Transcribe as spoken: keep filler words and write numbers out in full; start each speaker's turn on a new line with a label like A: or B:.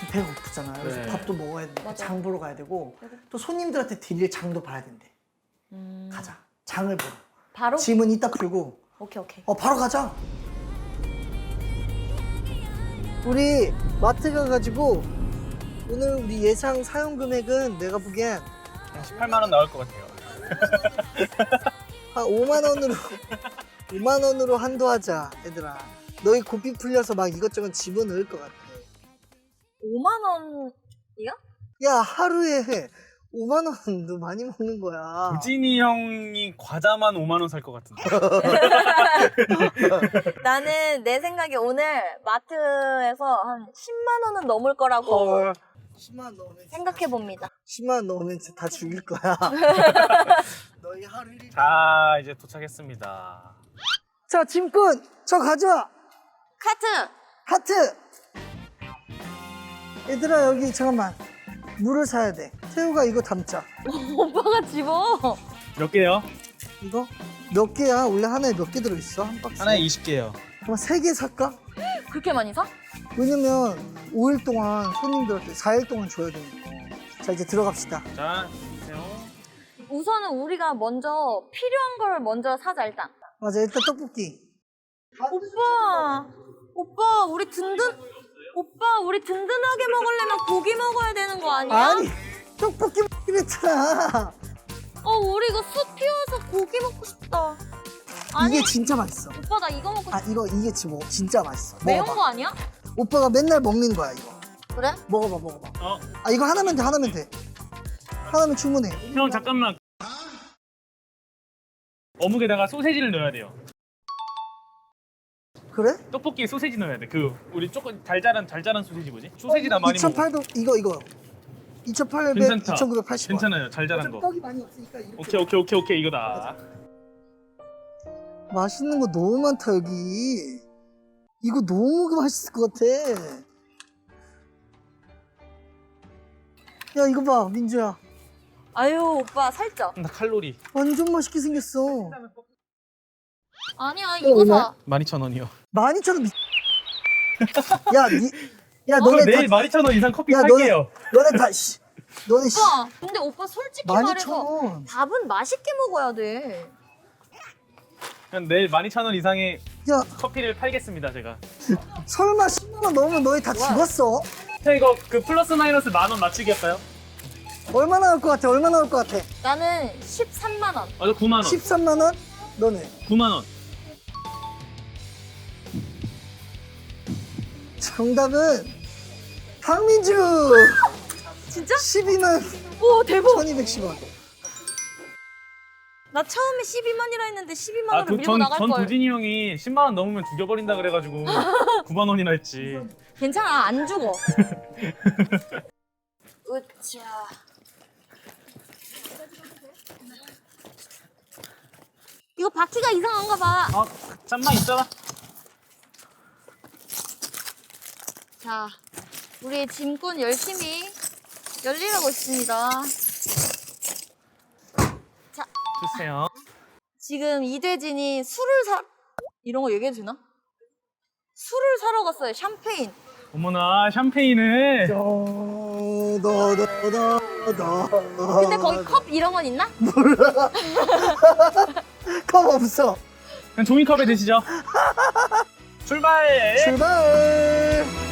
A: 배가 고프잖아요. 그래서
B: 네.
A: 밥도 먹어야 되고
C: 맞아.
A: 장 보러 가야 되고
C: 그리고-
A: 또 손님들한테 드릴 장도 봐야 된대.
C: 음...
A: 가자. 장을 보러.
C: 바로?
A: 짐은 이따 풀고
C: 오케이 오케이.
A: 어 바로 가자. 우리 마트 가가지고 오늘 우리 예상 사용 금액은 내가 보기엔
B: 한 십팔만 원 나올 것 같아요.
A: 한 오만 원으로 오만 원으로 한도하자 얘들아. 너희 고삐 풀려서 막 이것저것 집어넣을 것 같아.
C: 오만 원이야?
A: 야 하루에 오만 원도 많이 먹는 거야.
B: 우진이 형이 과자만 오만 원 살 것 같은데.
C: 나는 내 생각에 오늘 마트에서 한 십만 원은 넘을 거라고
A: 헐. 십만 원 넣으면
C: 생각해 봅니다.
A: 십만 원 넣으면 진짜 다 죽일 거야. 너희 하루 일일.
B: 자, 이제 도착했습니다.
A: 자 짐꾼 저 가져와.
C: 카트!
A: 하트. 얘들아 여기 잠깐만 물을 사야 돼. 태우가 이거 담자.
C: 오빠가 집어.
B: 몇 개요?
A: 이거 몇 개야? 원래 하나에 몇 개 들어있어? 한 박스?
B: 하나에 이십 개요.
A: 그럼 세 개 살까?
C: 그렇게 많이 사?
A: 왜냐면 오 일 동안 손님들한테 사 일 동안 줘야 되니까. 자 이제 들어갑시다.
B: 자, 주세요.
C: 우선은 우리가 먼저 필요한 걸 먼저 사자 일단.
A: 맞아 일단 떡볶이.
C: 오빠! 오빠 우리 든든 오빠 우리 든든하게 먹으려면 고기 먹어야 되는 거 아니야?
A: 아니 떡볶이 먹기로 했잖아.
C: 어 우리 이거 숯 피워서 고기 먹고 싶다. 아니
A: 이게 진짜 맛있어.
C: 오빠 나 이거 먹고
A: 아 이거 이게 지금 진짜 맛있어.
C: 매운
A: 먹어봐.
C: 거 아니야?
A: 오빠가 맨날 먹는 거야 이거.
C: 그래?
A: 먹어봐 먹어봐.
B: 어,
A: 아 이거 하나면 돼 하나면 돼. 하나면 충분해.
B: 형 잠깐만. 어묵에다가 소세지를 넣어야 돼요.
A: 그래?
B: 떡볶이에 소세지 넣어야 돼. 그 우리 조금 달달한 달달한 소세지 뭐지? 소세지 나 많이 먹어.
A: 이천팔백 이거 이거. 이천팔백,
B: 괜찮다.
A: 이천구백팔십 원.
B: 괜찮아요. 달달한 거.
A: 떡이 많이 없으니까 이렇게.
B: 오케이 오케이 오케이 오케이 이거다.
A: 맛있는 거 너무 많다 여기. 이거 너무 맛있을 것 같아. 야 이거 봐 민주야.
C: 아유 오빠 살쪄.
B: 나 칼로리.
A: 완전 맛있게 생겼어.
C: 아니야
A: 이거
C: 이거
A: 얼마야?
C: 사.
B: 만 이천 원이요.
A: 만 이천 원 미... 야, 니, 야
B: 저
A: 너네
B: 내일
A: 다,
B: 만 이천 원 이상 커피
A: 야
B: 팔게요.
A: 너네 다 씨, 너네 씨,
C: 오빠 근데 오빠 솔직히
A: 만 이천
C: 말해서
A: 원.
C: 밥은 맛있게 먹어야 돼.
B: 그냥 내일 만 이천 원 이상의
A: 야
B: 커피를 팔겠습니다 제가.
A: 설마 십만 원 넘으면 너희 다 죽었어?
B: 형 이거 그 플러스 마이너스 만 원 맞추기 할까요?
A: 얼마 나올 것 같아? 얼마 나올 것 같아?
C: 나는 십삼만 원.
B: 아, 저 구만 원.
A: 십삼만 원? 너네.
B: 구만 원.
A: 정답은 박민주.
C: 진짜?
A: 십이만
C: 오 대박.
A: 천이백십 원.
C: 나 처음에 십이만이라 했는데 십이만
B: 아,
C: 원을
B: 그
C: 밀고
B: 전,
C: 나갈
B: 전
C: 걸.
B: 도진이 형이 십만 원 넘으면 죽여버린다 그래가지고 구만 원이나 했지.
C: 괜찮아 안 죽어. 으쌰. 이거 바퀴가 이상한가 봐.
B: 아, 짠맛 있잖아.
C: 자, 우리 짐꾼 열심히 열일하고 있습니다. 자,
B: 주세요.
C: 지금 이대진이 술을 사 이런 거 얘기해도 되나? 술을 사러 갔어요. 샴페인.
B: 어머나 샴페인을.
A: 너너너너
C: 근데 거기 컵 이런 건 있나?
A: 컵 없어.
B: 그냥 종이컵에 드시죠. 출발.
A: 출발.